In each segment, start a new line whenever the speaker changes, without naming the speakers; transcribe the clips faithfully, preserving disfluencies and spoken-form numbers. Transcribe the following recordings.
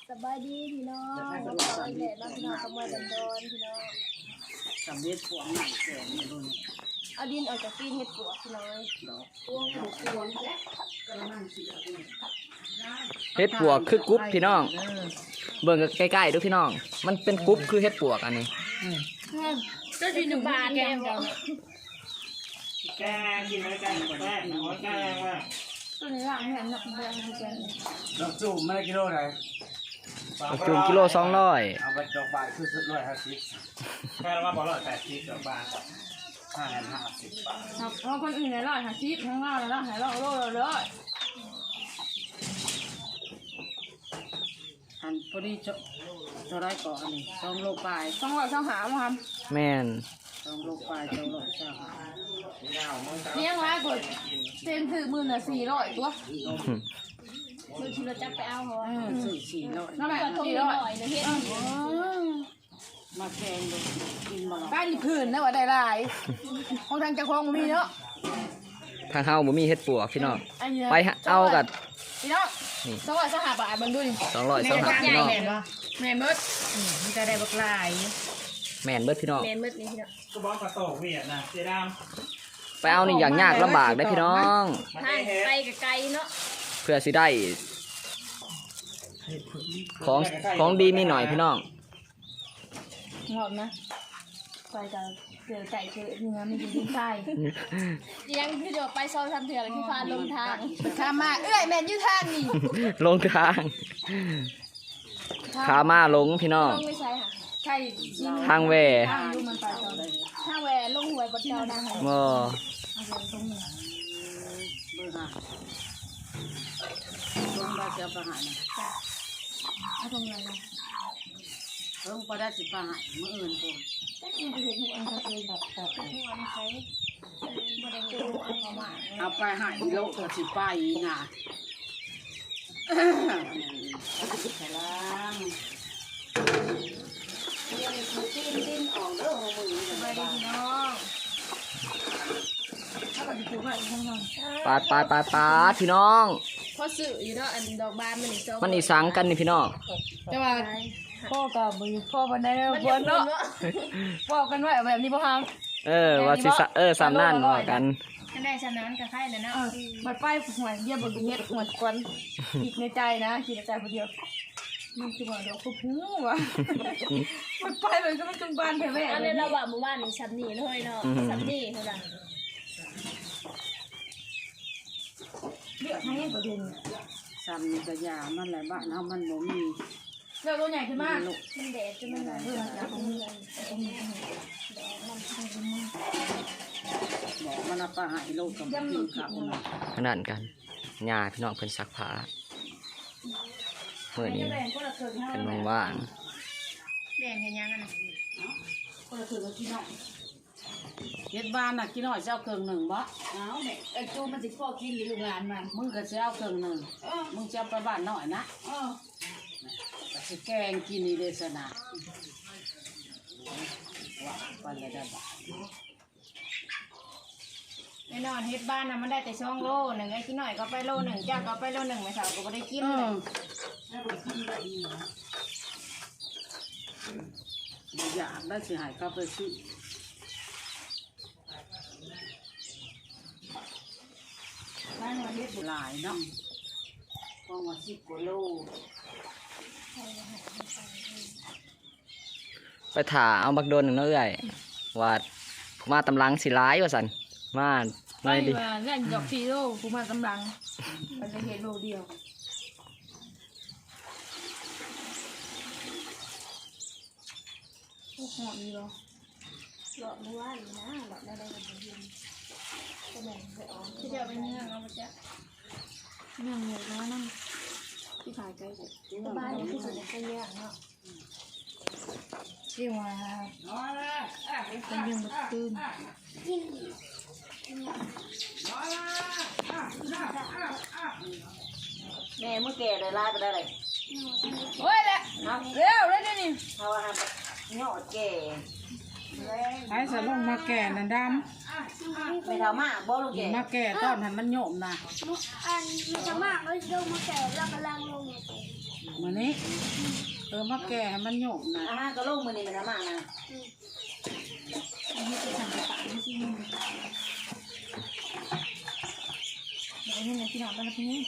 สบายดีพี่น้องมาต่ออีกแล้วพี่น้องขโมยดันโดนพี่น้อง
สำเร็จพวงหนังแก่ในรุ่น
เอาดินออกจากตีนเห็ดปวกพี่น้องพวงหูพวง
เฮ็ดปวกคือกรุ๊ปพี่น้องเบิ่งใกล้ๆดูพี่น้องมันเป็นกรุ๊ปคือเฮ็ดปวกอันนี้
ก็ที่หนึ่งบาทแกง
แกงกินอะไรแกงแกงหัวแกงว่า
ตัวนี้ละเหมือนนักแกงแกง
ดอกจุ่มไม่ได้กิโลไหน
จุ่มกิโลสองร้อย
เอาไปดอกบานคือสุดร้อยห้าสิบแค่ว่าบอลร้อยแปดสิบดอกบานห้าแสนห้าสิบบาท
เพราะคนอื่นในร้อยห้าสิบทั้งเราแล้วหายเราโลเราเลย
อันพอดีจะจะได้ก่อนอันนี้สองโลปลาย
สองร้อยสองหามั้งครับ
แม่น
สองโลปลายสองโลเช้า
เนี่ยร้ายกว่าเต็มถือมือน่ะสี่ร้อยตัวมือที่เราจับไปเอาเขา
สี่สี่ร้อย
น้ำมันสี่ร้อยเดี๋ยวเฮ็ด
มาแกงดูกินมา
บ้านพื้นนะว่าได้หลายของทางเจ้าของมีเนาะ
ทางเฮาบ่มีเฮ็ดปวกพี่น้องไปเอากับ
พี่น้องสองร้อยสหบาทเบิ่งดูดิ
สองร้อยสหบาทพี่น้อง
แม่นเบิดมันจะได้บักหลาย
แม่นเบิดพี่น้อง
แม่นเบิดนี่พี่น้อง
ก็บอกกระโตกเวียดนะเสียดาม
ไปเอานี่อย่างยากลำบากได้พี่น้อง
ไปไกลเนาะ
เพื่อสิได้ของของดีมีหน่อยพี่น้อง
งอกนะไปกับเสือไก่เสือเนื้อไม่กินดิ้นไส้ยังคือเดี๋ยวไปซอยทำเถื่อนที่ฟ้าลงทางข้ามาเอ้ยแมนยูทางนี่
ลงทางขามาลงพี่น้อง
ลงไม่ใช่ค่ะใช่
ทางแหว
ทางยูมันไปตอนทางแหวลงหวยบดเจ้าดังเหรอ
บ่
ตรงนี้
เบอร์ห้าลงได้เสียประหารนะ
เอาตรงไหนนะ
ลงไปได้สิบประหารเมื่ออื่นกูเอาไปหายโลกตัวสิไปนะใช่ล้างดิ้นออกเด้อหัวมือสบายดีน้อง
ปาดปาดปาดปาดพี่น้อง
พอสื่ออยู่เนาะอันดอกบานมันอีก
มันอีสังกันนี่พี่น้อง
แต่ว่าพ่อกับมือพ่อวันไหนวันเนาะพ่อกันไว้แบบนี้พ่อฮัง
เออว่าสิเออสามนั่นว่ากัน
กันได้สามนั่นกับใครเลยนะมาป้ายหัวเยี่ยมบนเฮ็ดหัวควันคิดในใจนะคิดในใจคนเดียวมันคือว่าเดี๋ยวเขาพูดว่ามันไปเลยก็ไม่จงบานแท้ๆอันนี้เราว่าหมู่บ้านนี่ชั้นนี่เลยเนาะชั้นนี่เท่านั้นเลือกให้ประเด็น
ซ้ำนี่กระยามันหลายบ้านเอามันบ่มี
เลือกตัวใหญ่ขึ้นมากมันแดดจนมันเบื่อแล้วของมึงของมึง
บอกมันเอาไปหายโลกกับพี่ครับ
ขนาดกันญาพี่น้องเพิ่นซักผ้าเมื่อนี้เป็นว่าง
แดงเห็นยังกันนะ
คนละถือกับพี่น้องเฮ็ดบ้านน่ะกินหน่อยเจ้าเครื่องหนึ่งบ่เอาแม่ไอ้จูมันสิพ่อกินหรือลูกหลานมันมึงก็สิเอาเครื่องหนึ่งมึงจะไปบ้านหน่อยนะก็สิแกงกินนี่เด้อซะนะว่าไปเลยได้บ่
แน่นอนเฮ็ดบ้านน่ะมันได้แต่ช่องโลหนึ่งไอ้กินหน่อยก็ไปโลหนึ่งจ้าก็ไปโลหนึ่งไม่สาวก็บ่ได้กินเลย
อยากได้สิหายก็ไปซื้อหลายเนาะกองว่าสิบกว่าโล
ไปถ่าเอาบักโดนหนึ่งเนาะเอ้ยว่ามาตำลังสิร้ายว่าสันมา
ไม่ดิเล่นดอกซีโร่กูมากำลังมันจะเห็นโลเดียวโอ้โหนี่เหรอหลอดไม่ว่าอีนะหลอดได้ได้กันเย็นก็แบ่งไปออกที่เดียวไปเนื้อเอาไปจ้ะเนื้อเหนียวน้อยนั่งที่ถ่ายใกล้สุดบ้านที่สุดในกรุงเทพเนาะที่ว่าเป็นยังบัดตื่น
แม่เมื่อแก่ได้ลาไปได้เลย
โอ้ยแหละเร็วเลยนี่
เพราะว่าหยอดแก่
ไอ้สลงมาแก่นั่นดำ
ไม่เท่ามากบ่ลูกแก่
มาแก่ตอนหันมันโยมนะ
อันไม่เท่ามากเลยลงมาแก่แล้วกำลังลง
มื้อนี้เออมาแก่ให้มันหยกนะ
อาหารก็ลงมือนี่มันน้ำมันนะ
นี่จะสั่งไปฝากนี่สิเดี๋ยวนี่เลยพี่น้องไปแล้วพี่นี่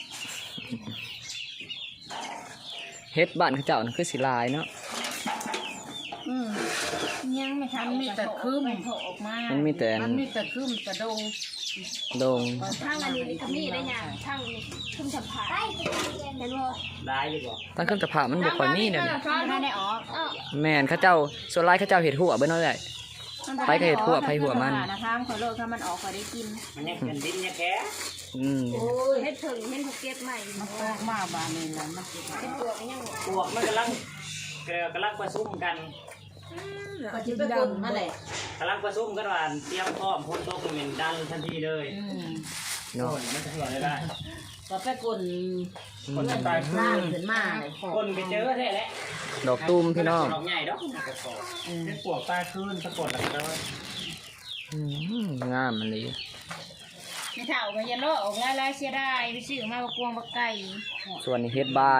เฮ็ดบ้านเขาเจ้านั่นคือสิหลายเนาะ
อืมยังไม่ทัน
มันมีแต่คืม
โผล่ออกมา
มันมีแต่
มันมีแต่คืมแต่ดง
โดง
ทางอันนี้ก็มีได้ยังทางนี้ขึ้นสัมผัสเห็นบ่
ได้ดีกว่า
ตั้งเครื่องจะผ่ามันบ่ค่อยมีเดี๋ยวนี้
ไม่ได้ออก
แม่นเขาเจ้าส่วนหลายเขาเจ้าเฮ็ดหัวเบิ่นเนาะเลย ไปก็เห็ดหัวไปหัวมัน
นะคะขอโลกถ้ามันออกขอได้กิน
มันยังเป็นดินยังแค่
อืม
โอ้ยเฮ็ดถึงเฮ็ดถูกเก็บใหม่
มันออกมาบานนี้แล้วมันสิ
เป็นตัวมันยัง
ปวกมันกำลังกำลังประชุมกัน
ก็สิไปกลนั่นแหละ
กำลังประชุมกันว่าเตรียมพร้อมพ้นโต๊ะเป็นดันทันทีเลย
อืม
เนาะ
มันจะเหื่อได้ได้
ก็ไปกล
คนจะตาย
ล่างขึ้นมาเลย
คนไปเจอแท้แหละ
ดอกตุ้มพี่น้อง
ดอกใหญ่ดอกกระสอบเป็นปวกตาคืนสะกดแล้วก็
อืมงามมันเลย
ไม่เท่าก็ยันโลออกลายๆเสียได้ไปซื้อมาบักกวงบักไก่
ส่วนนี้เฮ็ดบาน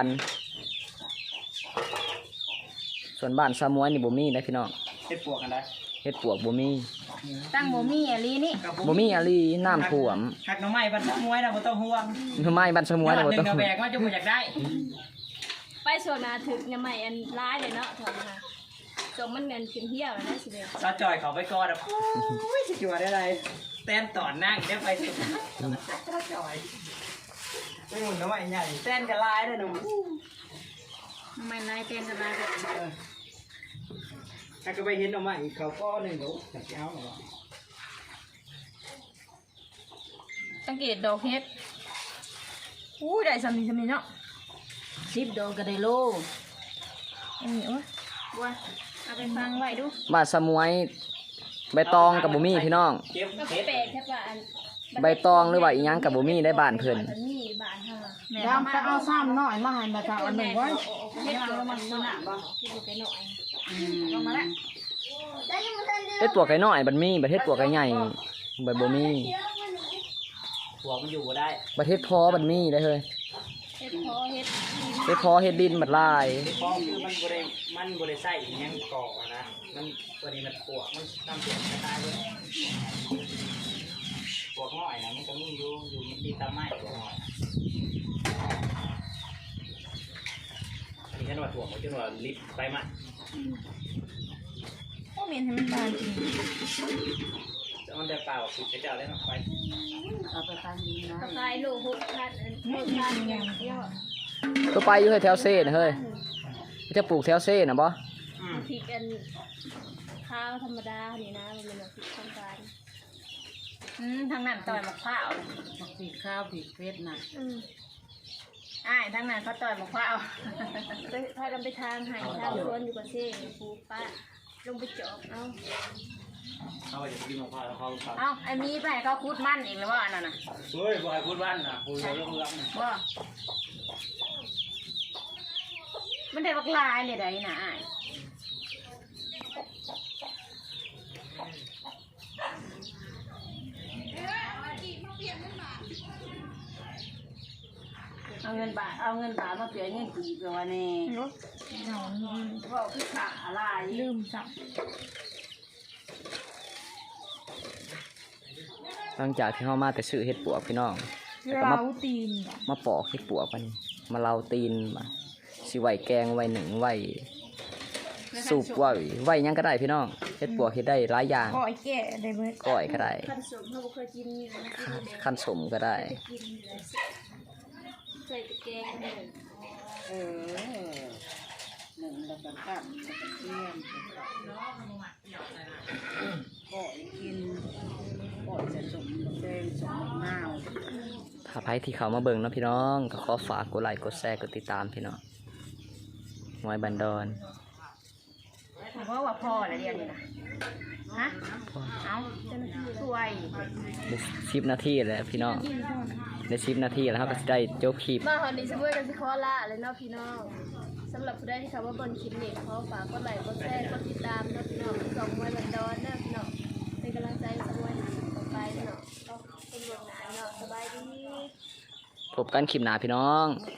ส่วนบ้านซามวยนี่บ่มีนะพี่น้อง
เป็นปวกกันได้
เฮ็ดปวกบ่มี
ตั้งบ่มีอะลีนี่
บ่มีอะลีน้ำท่วม
หักน้ำไม้บันมวยนะบ่ต้องห่วง
ทำไมบ้านซามวยน่ะบ่
หนึ่
ต้อง
งกระแบกมาจุกอยากได้
ไปโซนาถึกยังใหม่อันร้ายเลยเนาะถอนมาจงมันเงินขึ้นเที่ยวแล้วนะสิเด้
ซาจอยเขาไปก่อนอ่ะโอ้ยจะจัวได้ไรเต้นต่อนั่งได้ไปสุดซาจอยไม่หมุนน้ำไม้ใหญ่เต้นกระลายเลยหนุ่ม
ทำไมนายเป็นอะไรกัน
ถ้าก็ไปเห็นน้ำไม้เขาก็หนึ่งหนูอยากเอาหรอ
สังเกตดอกเฮ็ดอู้ได้สำนีสำนีเนาะ
สิบดอกก็ได้โล
อันนี้โอ้ยว่าเอาไปฟังไว้ดู
บ้านซามวยใบตองกับบ่มีพี่น้อง
เก็บ
ก็
เห็ด
แปลกแค่ว่าอัน
ใบตองหรือว่าอีหยังกับบ่มีได้บ้านเพิ่น
มันมีบ้านเฮาอะ
ดามไปเอาซ้ำน้อยมาให้มาทาอันหนึ่งไว้
เฮ็ดเกิดมันหนาบ่เฮ็ดไปหน่อย
อืม
ลงมาแล้ว
เฮ็ดปวกไก่น้อยบัดมีบัดเฮ็ดปวกไก่ใหญ่บัดบ่มี
หัวมันอยู่ได้
บัดเฮ็ดพอบัดมีได้เฮ้ย
เฮ็ดพอเฮ็ด
เฮ็ดพอเฮ็ดดินบัดลาย
ฟองคือมันบริมันบริใส่ยังก่อนะมันตัวนี้มันปวกมันทำเสียงตายเลยปวกง่อยนะมันก็มีอยู่อยู่มันดีตามไม้ปวกง่อยอันนี้ฉันว่าถั่วมันจะว่าลิฟไปมา
โอ้เมนให้มันบานจริง
จะมันได้เปล่าสุดจะเจ้าได้มาไป
เอาไปทานดีนะ
ก็ขายโลหกพันหกพันอย่างเดียว
ตัวไปอยู่เฮ้ยแถวเซ่นะเฮ้ยจะปลูกแถวเซ่น่ะบ่
อืม
พริกอันข้าวธรรมดานี่นะมันเป็นแบบพริกทางการอืมทางนั้นต่อยมะพร้าว
มักปีกข้าวปีกเป็ดน่ะ
อืมอ้ายทางนั้นเขาต่อยมะพร้าวไปพากันไปทางไห่ทางสวนอยู่กับเซ่ปูป้าลงไปจอบเอา
เขาไปจะกินมะพร้าวเขาเขา
เอาไอ้มีไปให้เขาคุดมั่นเองหรือว่าอันนั้นน่ะ
เฮ้ยบอยพูดบ้านนะพูดเรื่องเรื่อง
ว่ามันได้บักลายเลยได้นะอ้ายเอาเงินบาทเอาเงินบาทมาเปลี่ยนเงินกีบไปวันนี้ว่าคือขาอะไรลืมสับ
หลังจากที่เฮามาแต่ซื้อเฮ็ดปวกพี่น้องแล้วก็มา
เราตีน
มาปอกเฮ็ดปวกมันมาเล่าตีนมาสิไว้แกงไว้หนึ่งไว้สูบไว้ไว้หยังก็ได้พี่น้องเฮ็ดปวกเฮ็ดได้หลายอย่าง
ก้อยแก่ได้เบิด
ก้อยก็ได้
ขั้นสมเขาบ่เคยกินนะ
ขั้นสมก็ได้
กินเลยใส่ตะแกงเลย
เออหนึ่งแล้วก็ข้ามแล้วก็เทียมก็กินก็จะสมแดงสมมะนาว
ถ้าใครที่เขามาเบิ่งเนาะพี่น้องก็ขอฝากกดไลค์กดแชร์กดติดตามพี่น้องหวยบันดอน
ผมว่าว่าพ่ออะไรเรียนนี่นะฮะเอาช่วย
ได้สิบนาทีแล้วพี่น้องได้สิบนาทีแล้วเราก็สิได้จบคลิป
มาหอนนี้สมมติกันสิขอละเลยเนาะพี่น้องสำหรับผู้ใดที่เขาว่าบนคลิปนี้ขอฝากกดไลค์กดแชร์กดติดตามเนาะพี่น้องสองมวยบันดอนเนาะพี่น้องเป็นกำลังใจสมวยต่อไปเนาะก็เป็นเรื่องหนาเนาะสบายดี
พบกันคลิปหน้าพี่น้อง